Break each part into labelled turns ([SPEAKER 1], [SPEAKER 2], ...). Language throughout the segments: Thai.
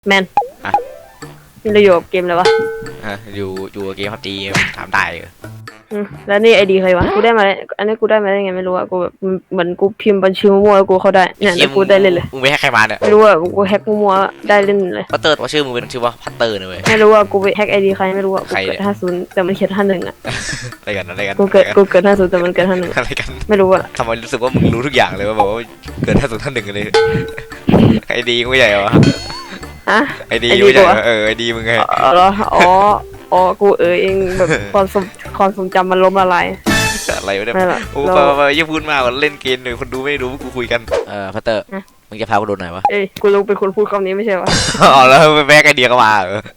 [SPEAKER 1] แมนนี่เราอยู่กับเกมเลยวะ
[SPEAKER 2] อยู่เกมพับจีถามได้
[SPEAKER 1] แล้วนี่ไอดีใครวะกูได้มาอันนี้กูได้มาได้ไงไม่รู้อะกูแบบเหมือนกูพิมพ์บัญชีมั่วแล้วกูเข้าได้เนี่ยแล้วกูได้เล่นเลย
[SPEAKER 2] มึงไปแฮกใครมาเนี่ย
[SPEAKER 1] ไม่รู้อะกูแฮกมั่วๆได้เล่นเลย
[SPEAKER 2] พัตเตอร์ว่าชื่อมึงเป็นชื่อว่าพัตเตอร์นะเว้ย
[SPEAKER 1] ไม่รู้ว่ากูไปแฮกไอดีใครไม่รู้อะกูเกิด50แต่มันเขียน51อะ
[SPEAKER 2] อะไรกัน
[SPEAKER 1] กูเกิด50แต่มันเกิด51
[SPEAKER 2] อะไรกัน
[SPEAKER 1] ไม่รู้อะ
[SPEAKER 2] ทำไมรู้สึกว่ามึงรู้ทุกอย่างเลยว่าบอกว่าเกิด50 ท่าน 1เลยไอดีกูใหญ่วะไอดีกูใหญ่ไอดีมึงไง
[SPEAKER 1] เหรออ๋อกูเองแบบความทรงจำมันล้มละลาย
[SPEAKER 2] อะไรวะเนี่ยโอ้ไปยิ่งพูดมากกว่าเล่นเกมเลยคนดูไม่รู้กูคุยกันพัตเตอร์มึงจะพากูโดนไหนวะ
[SPEAKER 1] กูรู้เป็นคนพูดคำนี้ไม่ใช่วะ
[SPEAKER 2] อ๋อแล้วไปแบกไอเดียก็มา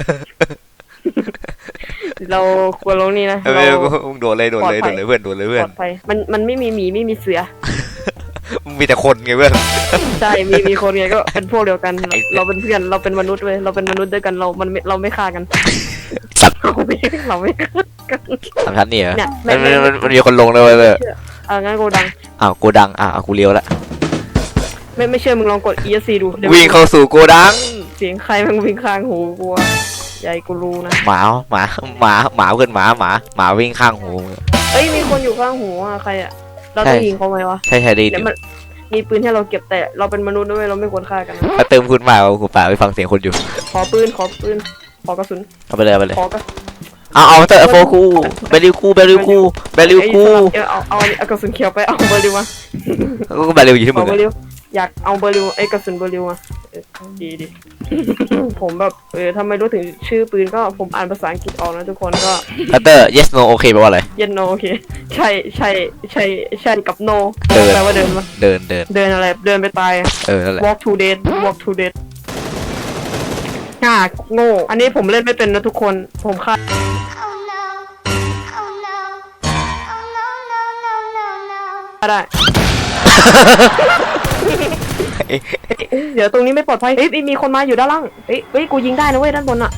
[SPEAKER 1] เราควรลงนี่นะ
[SPEAKER 2] มึงโดนเลยเพื่อนโดนเลยเพื่อน
[SPEAKER 1] มันไม่มีหมีไม่มีเสือ
[SPEAKER 2] มีแต่คนไงเพื่อน
[SPEAKER 1] ใช่มีคนไงก็เป็นพวกเดียวกันเราเป็นเพื่อนเราเป็นมนุษย์เว้ยเราเป็นมนุษย์ด้วยกันเราไม่ฆ่ากัน
[SPEAKER 2] สัตว์
[SPEAKER 1] เราไม่ฆ่ากัน
[SPEAKER 2] ทำชั้นนี่เหรอมันมีคนลงเลยเว้ย
[SPEAKER 1] งั้นโกดัง
[SPEAKER 2] โกดังกูเลี้ยวแล้ว
[SPEAKER 1] ไม่เชื่อมึงลองกด ESC ดู
[SPEAKER 2] วิ่งเข้าสู่โกดัง
[SPEAKER 1] เสียงใครมันวิ่งข้างหูกูใหญ่กูรู้นะ
[SPEAKER 2] หมาเพื่อนหมาวิ่งข้างหู
[SPEAKER 1] มีคนอยู่ข้างหูใครอะเราต้องยิงเขาไหมวะ
[SPEAKER 2] ใช่ดี
[SPEAKER 1] มีปืนให้เราเก็บแต่เราเป็นมนุษย์ด้วยเราไม่ควรฆ่ากัน
[SPEAKER 2] ถ้าเติมคุณมากูป่าไปฟังเสียงคนอยู่
[SPEAKER 1] ขอปืนขอกระสุน
[SPEAKER 2] เอาไปเลย
[SPEAKER 1] ขอกระ
[SPEAKER 2] เอาเตอร์โฟคูเบลิวคูเอา
[SPEAKER 1] กระสุนเขียวไปเอาเบลิวมา
[SPEAKER 2] ก็เบลิวอยู่ที่มึง
[SPEAKER 1] อยากเอาเบลิวกระสุนเบลิวมาดีผมแบบทำไมรู้ถึงชื่อปืนก็ผมอ่านภาษาอังกฤษออกนะทุกคนก็
[SPEAKER 2] เตอร์ yes no โอเคแปลว่าอะไร
[SPEAKER 1] yes no โอเคใช่กับ no แปลว่าเดินมา
[SPEAKER 2] เดิน
[SPEAKER 1] อะไรเดินไปตาย
[SPEAKER 2] นั่นแหละ
[SPEAKER 1] walk to death โง่อันนี้ผมเล่นไม่เป็นนะทุกคนผมฆ่าได้ เดี๋ยวตรงนี้ไม่ปลอดภัยมีคนมาอยู่ด้านล่างกูยิงได้นะเว้ยด้านบนอะ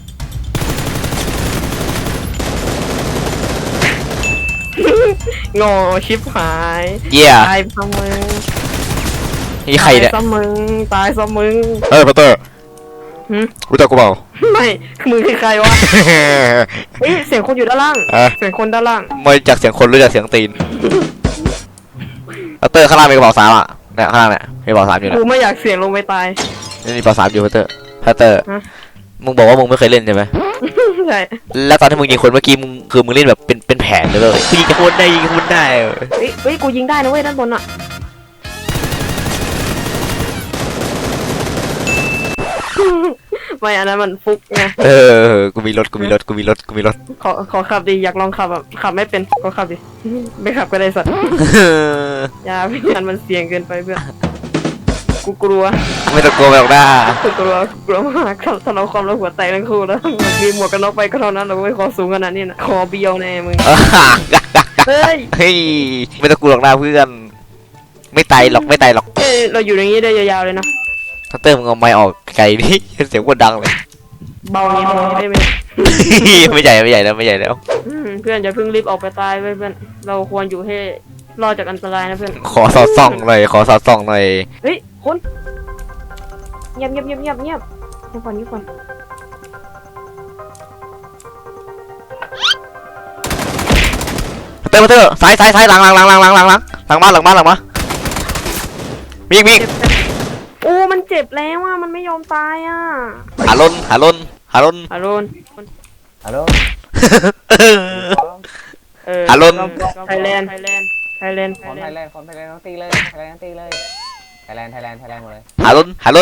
[SPEAKER 1] งอชิบหายตายซะมึง
[SPEAKER 2] นี่ใครเนี่ย
[SPEAKER 1] ตายซะมึง
[SPEAKER 2] พัตเตอร์รู้จักกูเปล่า
[SPEAKER 1] ไม่มือคือใครวะเสียงคนอยู่ด้านล่างเสียงคนด้านล่าง
[SPEAKER 2] ไม่จากเสียงคนรู้จักเสียงตีนพัตเตอร์ข้างล่างมีกระเป๋า3อ่ะเนี่ยข้างล่างเนี่ยมีกระเป๋า3อยู่นะ
[SPEAKER 1] กูไม่อยากเสี่ยงลงไปตาย
[SPEAKER 2] นี่มีกระเป๋า3อยู่พัตเตอร์มึงบอกว่ามึงไม่เคยเล่นใช่ไหม
[SPEAKER 1] ใช่
[SPEAKER 2] แล้วตอนที่มึงยิงคนเมื่อกี้มึงเล่นแบบเป็นแผนเลยกูยิงคนได้
[SPEAKER 1] กูยิงได้นะเว้ยด้านบนอ่ะไม่อันนั้นมันฟุกไง
[SPEAKER 2] กูมีรถ
[SPEAKER 1] ขอขับดิอยากลองขับแบบขับไม่เป็นก็ขับดิไม่ขับก็ได้สัตว์อย่าพี่งานมันเสี่ยงเกินไปเพื่อนกูกลัว
[SPEAKER 2] ไม่ต้องกลัวหรอกนะ
[SPEAKER 1] กูกลัวมากถ้าเราความเราหัวแตกทั้งคู่แล้วมีหมวกกันน็อกไปก็เท่านั้นเราไม่คอสูงขนาดนี้นะคอเบี้ยวแน่มึง
[SPEAKER 2] เฮ้ยไม่ต้องกลัวหรอกนะเพื่อนไม่ตายหรอก
[SPEAKER 1] เราอยู่อย่างนี้ได้ยาวๆเลยนะ
[SPEAKER 2] ถ้าเติมมึงเอาไม้ออกไกลนี่เสียงคนดังเลย
[SPEAKER 1] เบานี้ได้ไหม
[SPEAKER 2] ไม่ใหญ่แล้ว
[SPEAKER 1] เพื่อนอย่าเพิ่งรีบออกไปตายเพื่อนเราควรอยู่ให้รอดจากอันตรายนะเพื่อน
[SPEAKER 2] ขอสอดส่องหน่อย
[SPEAKER 1] คนเงียบก่อน
[SPEAKER 2] เตอร์ซ้ายหลังมามี
[SPEAKER 1] โอ้มันเจ็บแล้วอ่ะมันไม่ยอมตายอ่ะ
[SPEAKER 2] หาลน
[SPEAKER 1] ฮารุน
[SPEAKER 2] หาลน
[SPEAKER 1] ไทยแลนด์
[SPEAKER 3] ต้องตีเลยไทยแลนด์หมดเลย
[SPEAKER 2] หาลน
[SPEAKER 3] ฮัลโหล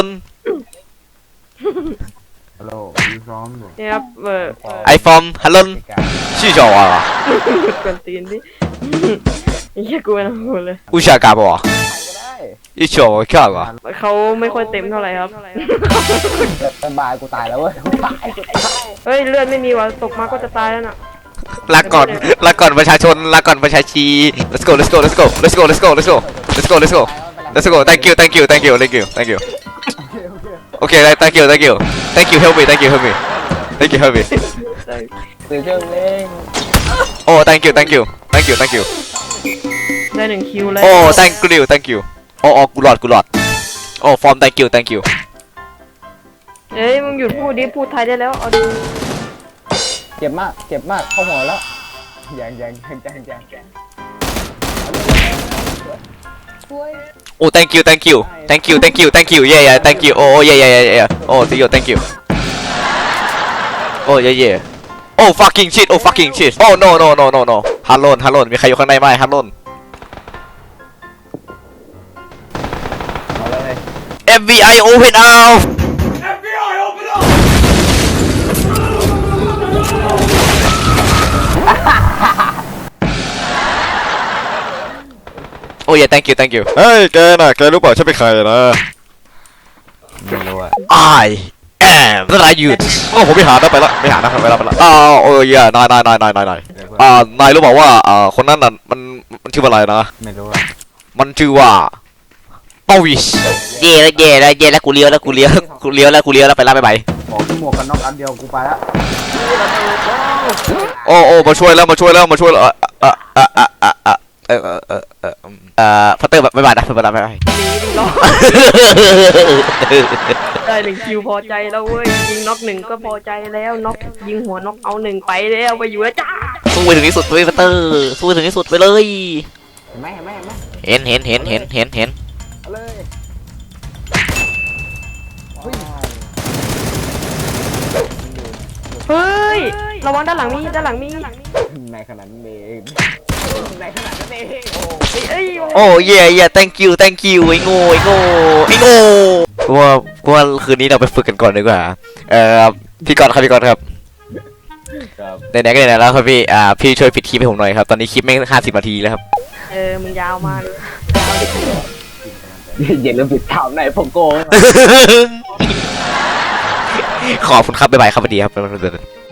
[SPEAKER 1] ครับ
[SPEAKER 2] ไอฟอร์มหาลนชื่อจอวะ
[SPEAKER 1] กันตีนดิเฮียกูไม่รู้เลย
[SPEAKER 2] อุชากาบวะอีโฉแค่ก่อน
[SPEAKER 1] เขาไม่ค่อยเต็มเท่าไหร่ครับ
[SPEAKER 3] เป็นบายกูตายแล้วเว้ย
[SPEAKER 1] เลือดไม่มีวะตกมาก็จะตายแล้วน่ะ
[SPEAKER 2] ลาก่อนประชาชนลาก่อนประชาชี let's go thank you okay thank you help me
[SPEAKER 3] เ
[SPEAKER 2] oh thank you
[SPEAKER 1] ได้1 คิวเลย
[SPEAKER 2] oh thank you อ๋อกูหลอดอ๋อฟอร์ม thank you
[SPEAKER 1] เอ้ยมึงหยุดพูดดิพูดไทยได้แล้วเอาดิ
[SPEAKER 3] เจ็บมากเข้าหัวแล้วยัง
[SPEAKER 2] โอ้ thank you thank you thank you thank you thank you yeah yeah thank you โอ้ yeah yeah yeah yeah โอ้ see you thank you โอ้ yeah yeah โอ้ fucking shit โอ้ fucking shit โอ้ no no no no no ฮัลโหลมีใครอยู่ข้างในไหมฮัลโหล
[SPEAKER 3] เอาเลย
[SPEAKER 2] FBI open upโอ้ yeah thank you thank you เฮ้ยแกน่ะแกรู้เปล่าฉันเป็นใครนะ
[SPEAKER 3] ไม่รู้อะ
[SPEAKER 2] I am นั่นนายหยุดโอ้ผมไม่หานะไปละไม่หานะไปละอ้าวโอ้ยนายนายรู้เปล่าว่าคนนั้นน่ะมันชื่ออะไรนะ
[SPEAKER 3] ไม่รู้อะ
[SPEAKER 2] มันชื่อว่าปวิชเย่แล้วกูเลี้ยวแล้วไปละไป
[SPEAKER 3] บอกที่หมวกกันน็อกอันเดียวกูไปแล้ว
[SPEAKER 2] โอ้มาช่วยแล้วพัตเตอร์บ๊ายบายนะบ๊ายบาย
[SPEAKER 1] หนีดิรอได้1 คิวพอใจแล้วเว้ยยิงน็อก1ก็พอใจแล้วน็อกยิงหัวน็อกเอา1ไปแล้วไปอยู่แล้วจ้า
[SPEAKER 2] สู้ไปถึงที่สุดเว้ยพัตเตอร์สู้ไปถึงที่สุดไปเลย
[SPEAKER 3] เห็นไหม
[SPEAKER 2] เห็น
[SPEAKER 3] เอาเลยเฮ้ย
[SPEAKER 1] เฮ้ยระวังด้านหลังมี
[SPEAKER 3] ในขนาดนั้นเองโอ้
[SPEAKER 1] เอ้ย
[SPEAKER 2] โอ้เย่ thank you ไอ้โง่กูว่าคืนนี้เราไปฝึกกันก่อนดีกว่าพี่กอนครับ
[SPEAKER 3] ครับ
[SPEAKER 2] ไหนๆก็ไหนๆแล้วครับพี่พี่ช่วยปิดคลิปให้ผมหน่อยครับตอนนี้คลิปไม่50 นาทีแล้วครับ
[SPEAKER 1] มึงยาวมากเลย
[SPEAKER 3] อย่าลืมปิดถามไหนผมโกง
[SPEAKER 2] ขอบคุณครับบ๊ายบายครับสวัสดีครับ